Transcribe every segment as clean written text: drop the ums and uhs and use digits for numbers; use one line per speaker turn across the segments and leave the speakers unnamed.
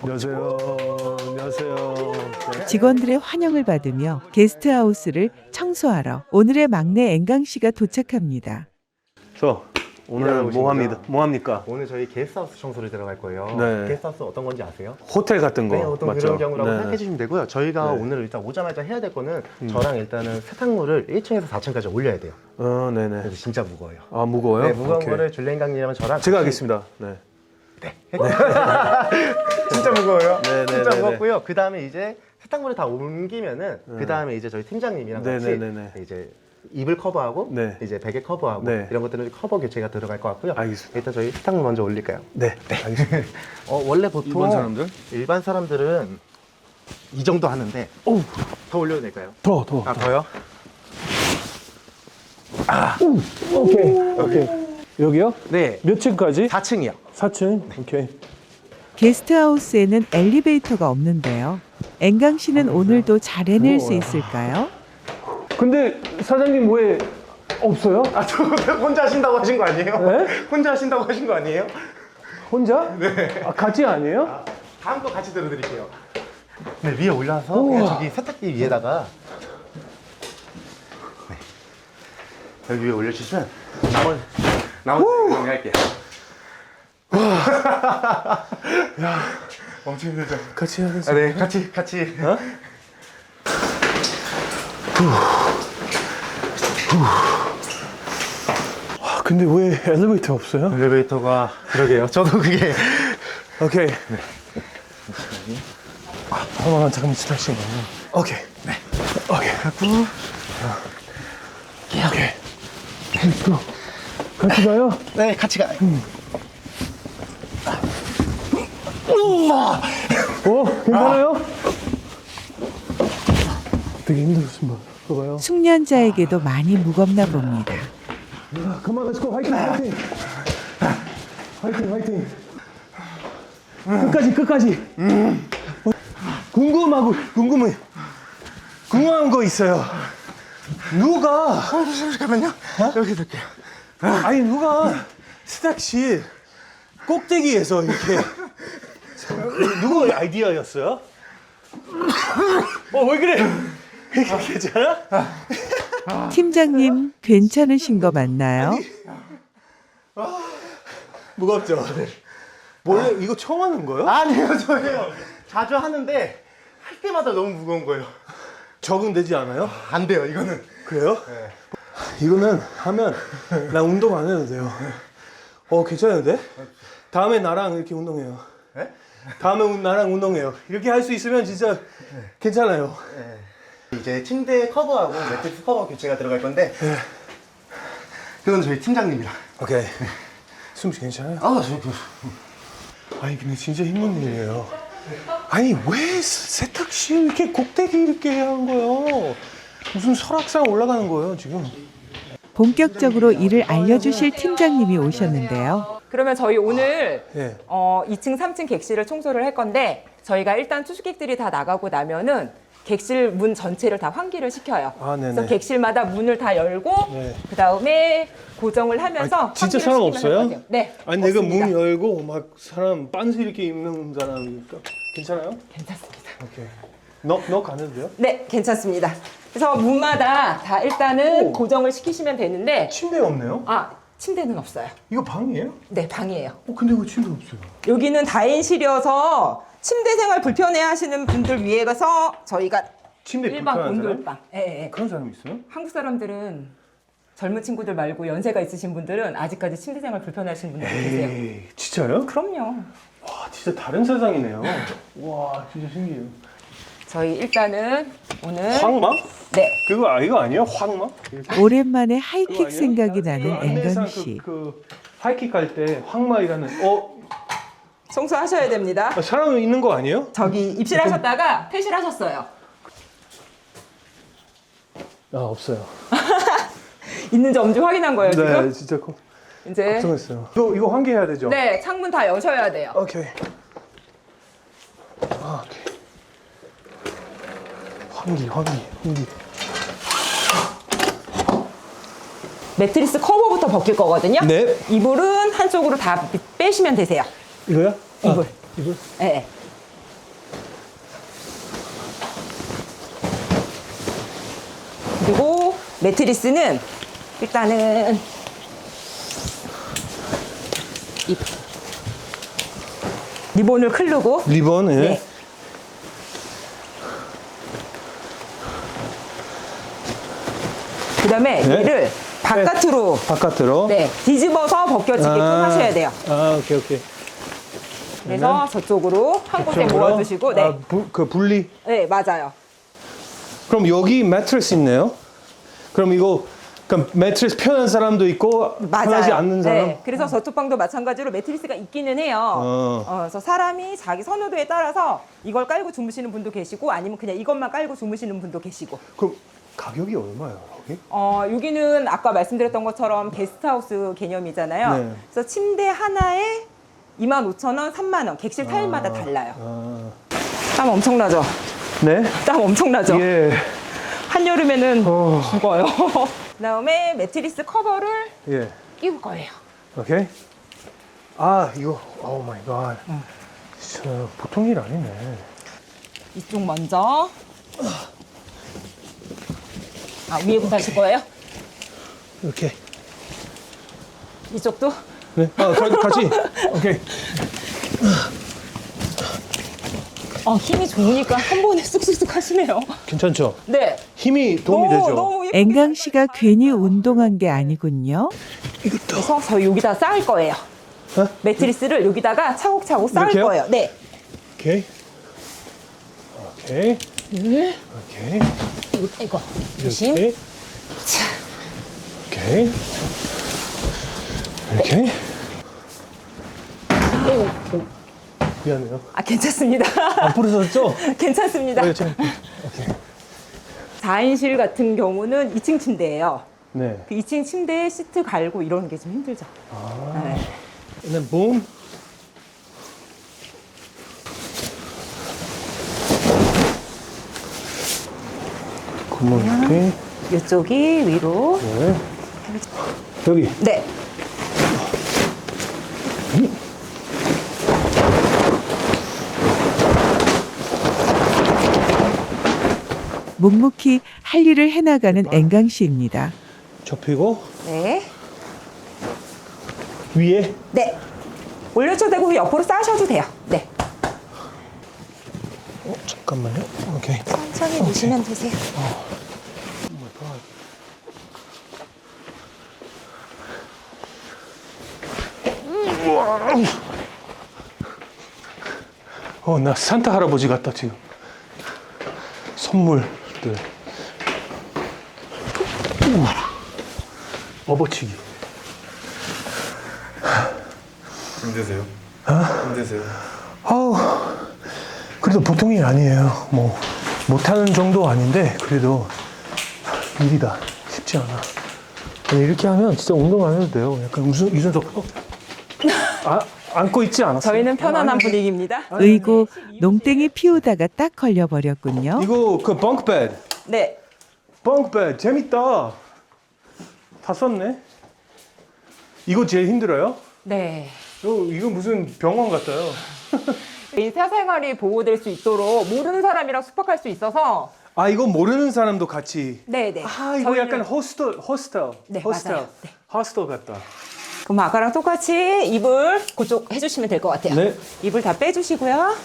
안녕하세요. 안녕하세요. 네.
직원들의 환영을 받으며 게스트하우스를 청소하러 오늘의 막내 앵강 씨가 도착합니다.
오늘 뭐 합니까?
오늘 저희 게스트하우스 청소를 들어갈 거예요.
네.
게스트하우스 어떤 건지 아세요?
호텔 같은 거
네, 어떤
맞죠?
그런 경우라고
네.
생각해 주시면 되고요. 저희가
네.
오늘 일단 오자마자 해야 될 거는 저랑 일단은 세탁물을 1층에서 4층까지 올려야 돼요.
네네.
그래서 진짜 무거워요.
아 무거워요?
네, 무거운
오케이.
거를 줄리엔강님이랑 저랑
제가
같이-
하겠습니다. 네.
진짜 무거워요.
네, 네,
진짜
네,
무겁고요. 그 다음에 이제 세탁물을 다 옮기면은 그 다음에 이제 저희 팀장님이랑
네,
같이
네, 네, 네.
이제 이불 커버하고
네.
이제 베개 커버하고
네.
이런 것들은 커버 교체가 들어갈 것 같고요.
알겠습니다.
일단 저희 세탁물 먼저 올릴까요?
네. 알겠습니다.
원래 보통
일반 사람들?
일반 사람들은 이 정도 하는데 더 올려도 될까요?
더.
아 더요?
오케이. 여기요?
네.
몇 층까지?
4층이요.
4층. 오케이.
게스트하우스에는 엘리베이터가 없는데요. 앵강 씨는 오늘도 잘 해낼 수 있을까요?
근데 사장님 왜 없어요?
아, 저 혼자 하신다고 하신 거 아니에요?
네?
혼자 하신다고 하신 거 아니에요?
혼자? 네. 아 같이 아니에요?
다음 거 같이 들어드릴게요. 네, 위에 올라서 그냥 저기 세탁기 위에다가 네. 여기 위에 올려주시면 나머지 정리할게요. 야, 엄청 힘들죠?
같이 하겠습니다.
아, 네, 같이.
어? 아, 근데 왜 엘리베이터 없어요?
엘리베이터가 그러게요. 저도 그게
오케이. 네. 잠깐만 기다리시면 오케이. 네. 오케이. 갖고. 오케이. Let's go. 같이 가요?
네, 같이 가요.
괜찮아요? 되게 힘들었습니다. 봐봐요.
숙련자에게도 많이 무겁나 봅니다.
그만 렛츠고 화이팅. 화이팅. 끝까지. 궁금한 거 있어요. 누가
잠깐만요. 여기 둘게요.
아니 누가 세탁실 꼭대기에서 이렇게 누구 아이디어였어요? 왜 그래? 괜찮아?
팀장님 괜찮으신 거 맞나요?
무겁죠? 원래 이거 처음 하는 거예요?
아니요, 저예요. 자주 하는데 할 때마다 너무 무거운 거예요.
적응되지 않아요?
안 돼요, 이거는.
그래요? 네. 이거는 하면 나 운동 안 해도 돼요. 괜찮은데? 다음에 나랑 이렇게 운동해요.
네?
다음에 나랑 운동해요. 이렇게 할 수 있으면 진짜 괜찮아요.
이제 침대 커버하고 매트리스 커버 교체가 들어갈 건데 그건 저희 팀장님이랑.
오케이. 숨쉬 괜찮아요? 아니 근데 진짜 힘든 일이에요. 아니 왜 세탁실 이렇게 꼭대기 이렇게 한 거예요? 무슨 설악산 올라가는 거예요 지금?
본격적으로 일을 알려주실 팀장님이 오셨는데요.
그러면 저희 오늘
예.
2층, 3층 객실을 청소를 할 건데 저희가 일단 투숙객들이 다 나가고 나면은 객실 문 전체를 다 환기를 시켜요.
아, 네네.
그래서 객실마다 문을 다 열고
네.
그 다음에 고정을 하면서
진짜
환기를
사람
시키면
없어요?
할 거예요. 네.
아니 내가
없습니다.
문 열고 막 사람 빤스 이렇게 입는 사람이니까 괜찮아요?
괜찮습니다.
오케이. 너 가는 돼요?
네, 괜찮습니다. 그래서 문마다 다 일단은 고정을 시키시면 되는데
침대 없네요?
침대는 없어요.
이거 방이에요?
네, 방이에요.
근데 왜 침대 없어요?
여기는 다인실이어서 침대 생활 불편해 하시는 분들 위해서 저희가
침대
일반
불편한 사람?
온돌방. 예.
그런 사람 있어요?
한국 사람들은 젊은 친구들 말고 연세가 있으신 분들은 아직까지 침대 생활 불편하시는 분들 계세요.
에이 진짜요?
그럼요.
와 진짜 다른 세상이네요. 와 진짜 신기해요.
저희 일단은 오늘
황마?
네.
이거 아니에요? 황마?
오랜만에
그거
하이킥
아니에요?
생각이 나는
안내상
앵강 씨.
그 하이킥 갈 때 황마이라는
청소하셔야 됩니다.
사람 있는 거 아니에요?
저기 입실하셨다가 퇴실하셨어요.
없어요.
있는지 없는지 확인한 거예요 지금?
진짜
이제
걱정했어요. 이거 환기해야 되죠?
네 창문 다 여셔야 돼요.
오케이. 오케이. 환기.
매트리스 커버부터 벗길 거거든요.
네.
이불은 한쪽으로 다 빼시면 되세요.
이거요?
이불.
이불?
네. 그리고 매트리스는 일단은 이 리본을 클르고
리본, 예.
네. 그다음에
네.
얘를 바깥으로
바깥으로.
네, 뒤집어서 벗겨지게끔 하셔야 돼요.
아, 오케이, 오케이.
그래서 저쪽으로 한 곳에
저쪽으로?
모아두시고, 네,
아, 그 분리.
네 맞아요.
그럼 여기 매트리스 있네요. 그럼 이거 그럼 매트리스 편한 사람도 있고
맞아요.
편하지 않는 사람.
네, 그래서 저쪽 방도 마찬가지로 매트리스가 있기는 해요. 그래서 사람이 자기 선호도에 따라서 이걸 깔고 주무시는 분도 계시고 아니면 그냥 이것만 깔고 주무시는 분도 계시고.
그럼 가격이 얼마예요, 여기?
여기는 아까 말씀드렸던 것처럼 게스트하우스 개념이잖아요.
네.
그래서 침대 하나에 25,000원, 3만 원, 객실 타일마다 달라요. 땀 엄청나죠?
네.
땀 엄청나죠?
예.
한여름에는 죽어요. 그다음에 매트리스 커버를
예.
끼울 거예요.
오케이. 아, 이거 오 마이 갓. 진짜 보통 일 아니네.
이쪽 먼저. 위에부터 하실 거예요?
이렇게.
이쪽도?
네. 아, 같이. 오케이.
힘이 좋으니까 한 번에 쑥쑥쑥 하시네요.
괜찮죠?
네.
힘이 도움이 되죠.
너무 예쁘게
앵강 씨가 괜히 운동한 게 아니군요.
그래서 저희 여기다 쌓을 거예요.
어?
매트리스를 여기다가 차곡차곡 쌓을
이렇게요?
거예요. 네.
오케이. 오케이. 오케이.
이거 조심.
이렇게. 오케이. 이렇게. 미안해요.
괜찮습니다.
안 부러졌죠?
괜찮습니다.
네, 오케이.
4인실 같은 경우는 2층 침대예요.
네.
그 2층 침대에 시트 갈고 이러는 게 좀 힘들죠. 네.
And then boom. 구멍 이렇게.
이쪽이 위로.
네. 여기.
네.
묵묵히 할 일을 해나가는 앵강 씨입니다.
접히고
네.
위에.
네. 올려줘도 되고 그 옆으로 쌓으셔도 돼요. 네.
잠깐만요. 오케이.
천천히 놓으시면 되세요.
나 산타 할아버지 같다 지금. 선물들. 업어치기.
힘드세요? 힘드세요?
아우, 그래도 보통 일 아니에요. 뭐 못하는 정도 아닌데 그래도 일이다. 쉽지 않아. 이렇게 하면 진짜 운동 안 해도 돼요. 약간 유선소. 안고 있지 않았어요?
저희는 편안한 분위기입니다.
의고 농땡이 피우다가 딱 걸려버렸군요.
이거 그 벙크베드.
네.
벙크베드 재밌다. 다 썼네. 이거 제일 힘들어요?
네.
이거 무슨 병원 같아요.
사생활이 보호될 수 있도록 모르는 사람이랑 숙박할 수 있어서
이거 모르는 사람도 같이.
네네.
이거
저희는-
약간 호스텔.
네,
호스텔.
맞아요. 네.
호스텔 같다.
그럼 아까랑 똑같이 이불 그쪽 해주시면 될 것 같아요.
네.
이불 다 빼주시고요.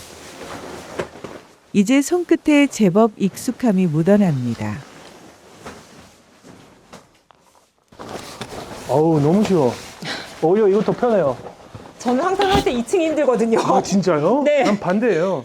이제 손끝에 제법 익숙함이 묻어납니다.
어우, 너무 쉬워. 오히려 이거 더 편해요.
저는 항상 할 때 2층이 힘들거든요.
진짜요?
네.
난 반대예요.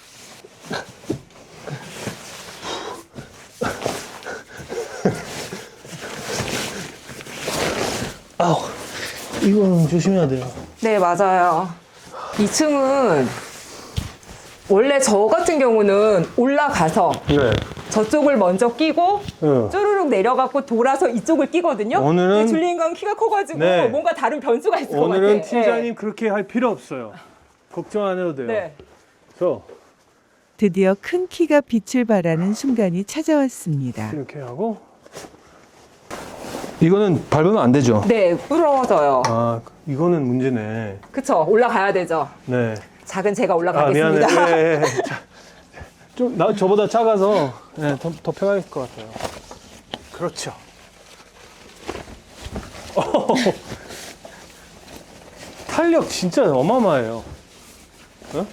이거는 조심해야 돼요.
네, 맞아요. 2층은 원래 저 같은 경우는 올라가서
네.
저쪽을 먼저 끼고
네.
쪼르륵 내려가고 돌아서 이쪽을 끼거든요.
오늘은-
근데 줄리엔강 키가 커가지고
네.
뭔가 다른 변수가 있을 것 같아요.
오늘은 팀장님 그렇게 할 필요 없어요. 걱정 안 해도 돼요.
네.
그래서
드디어 큰 키가 빛을 발하는 순간이 찾아왔습니다.
이렇게 하고 이거는 밟으면 안 되죠?
네, 부러워져요.
이거는 문제네.
그쵸, 올라가야 되죠.
네.
작은 제가
미안해.
올라가겠습니다.
좀 저보다 작아서 더 편할 것 같아요. 그렇죠. 탄력 진짜 어마어마해요. 어?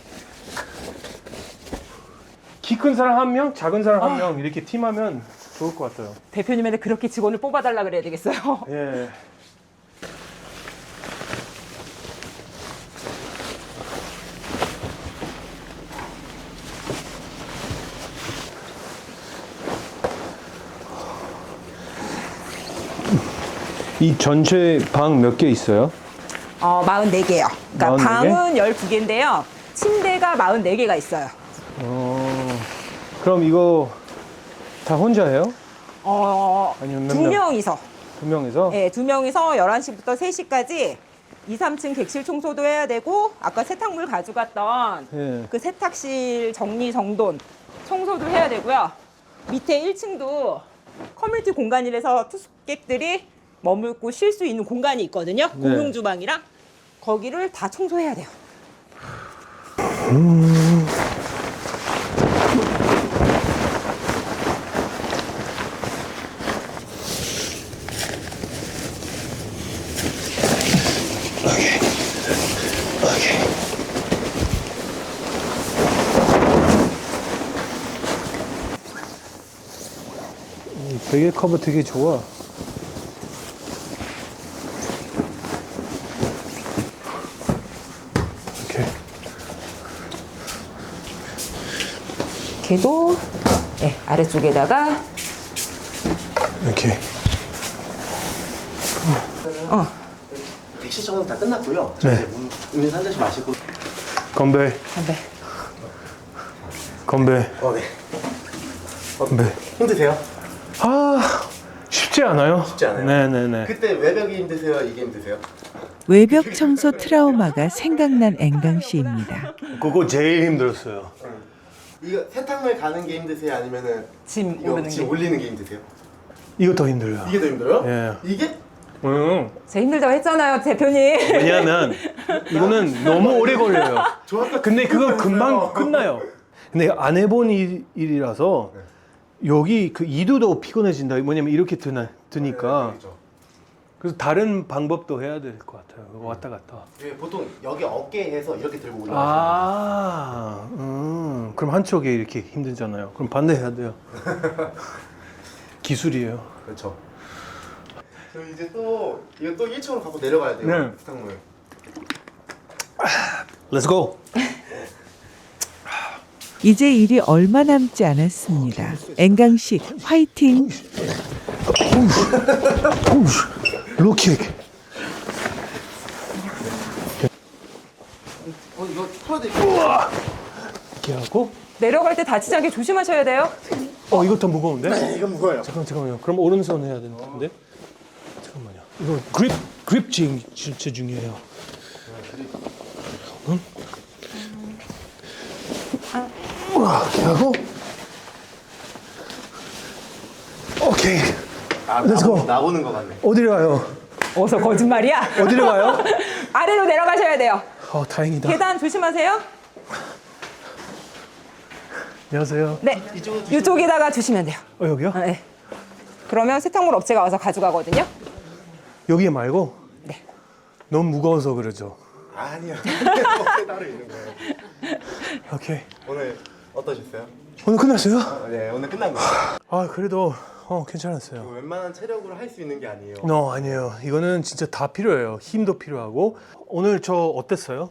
키 큰 사람 한 명, 작은 사람 한 명 이렇게 팀하면 좋을 것 같아요.
대표님한테 그렇게 직원을 뽑아달라 그래야 되겠어요.
예. 이 전체 방 몇 개 있어요?
44개요. 그러니까
44개?
방은 12개인데요. 침대가 44개가 있어요.
그럼 이거 다 혼자 해요? 아니면 몇
두
명?
명이서.
두 명이서?
네, 두 명이서 11시부터 3시까지 2, 3층 객실 청소도 해야 되고 아까 세탁물 가져갔던
예.
그 세탁실 정리 정돈 청소도 해야 되고요. 밑에 1층도 커뮤니티 공간이라서 투숙객들이 머물고 쉴 수 있는 공간이 있거든요. 공용 주방이랑 거기를 다 청소해야 돼요.
베개 커버 되게 좋아. 이렇게.
걔도 네, 아래쪽에다가
이렇게.
객실 청소 다 끝났고요.
네.
이제 음료수 한 잔씩 마시고.
건배.
건배.
건배.
네.
건배.
힘드세요?
아, 쉽지 않아요.
쉽지 않아요?
네네네.
그때 외벽이 힘드세요? 이게 힘드세요?
외벽 청소 트라우마가 생각난 앵강 씨입니다.
그거 제일 힘들었어요.
이거 세탁물 가는 게 힘드세요? 아니면은
짐
이거
오르는
짐
게.
올리는 게 힘드세요?
이거 더 힘들어요.
이게 더 힘들어요?
예.
이게?
제일 힘들다고 했잖아요, 대표님.
왜냐하면 이거는 너무 오래 걸려요.
저 아까
근데 그거
그랬어요.
금방 끝나요. 근데 안 해본 일이라서 여기 그 이두도 피곤해진다. 뭐냐면 이렇게 드니까.
그렇죠.
그래서 다른 방법도 해야 될 것 같아요. 그거 왔다 갔다.
예, 보통 여기 어깨에서 이렇게 들고 올라가시는
그럼 한쪽에 이렇게 힘들잖아요. 그럼 반대 해야 돼요. 기술이에요.
그렇죠. 저 이제 또 이거 또 1층으로 갖고 내려가야 돼요.
네.
세탁물.
Let's go.
이제 일이 얼마 남지 않았습니다. 앵강 씨 화이팅!
로킥.
이거 풀어드릴게요.
이렇게 하고.
내려갈 때 다치지 않게 조심하셔야 돼요.
이거 더 무거운데?
네, 이거 무거워요.
잠깐만요. 그럼 오른손 해야 되는 건데. 잠깐만요. 이거 그립 진짜 중요해요. 이렇게 하고. 오케이. Let's go.
나오는 거 같네.
어디로 가요?
어서 거짓말이야.
어디로 가요?
아래로 내려가셔야 돼요.
다행이다.
계단 조심하세요.
안녕하세요.
네, 이쪽에다가 주시면 돼요.
여기요?
네. 그러면 세탁물 업체가 와서 가져가거든요.
여기 말고?
네.
너무 무거워서 그러죠.
아니요. 어깨 따로 있는 거예요.
오케이.
오늘 어떠셨어요?
오늘 끝났어요?
네, 오늘 끝난 거예요.
그래도 괜찮았어요.
웬만한 체력으로 할 수 있는 게 아니에요.
아니에요. 이거는 진짜 다 필요해요. 힘도 필요하고. 오늘 저 어땠어요?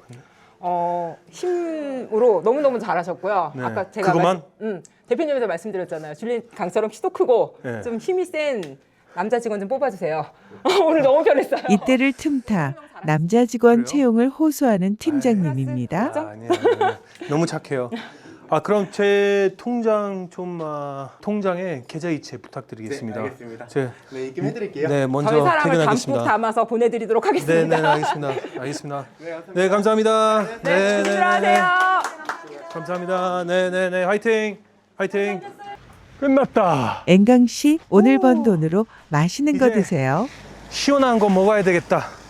힘으로 너무너무 잘하셨고요.
네.
아까 제가
그거만?
대표님에서 말씀드렸잖아요. 줄리엔 강처럼 키도 크고
네.
좀 힘이 센 남자 직원 좀 뽑아주세요. 오늘 너무 편했어요.
이때를 틈타 남자 직원 채용을 호소하는 팀장님입니다.
아니에요. 너무 착해요. 그럼 제 통장 통장에 계좌이체 부탁드리겠습니다.
네, 알겠습니다.
제,
네, 입금해드릴게요.
네, 먼저
저희 사람을 담뿍
퇴근하겠습니다.
담아서 보내드리도록
네,
하겠습니다.
네, 알겠습니다.
네, 감사합니다.
네, 감사합니다.
네, 조심들 하세요.
감사합니다. 네, 화이팅! 끝났다.
앵강 씨 오늘 번 돈으로 맛있는 거
이제
드세요.
시원한 거 먹어야 되겠다.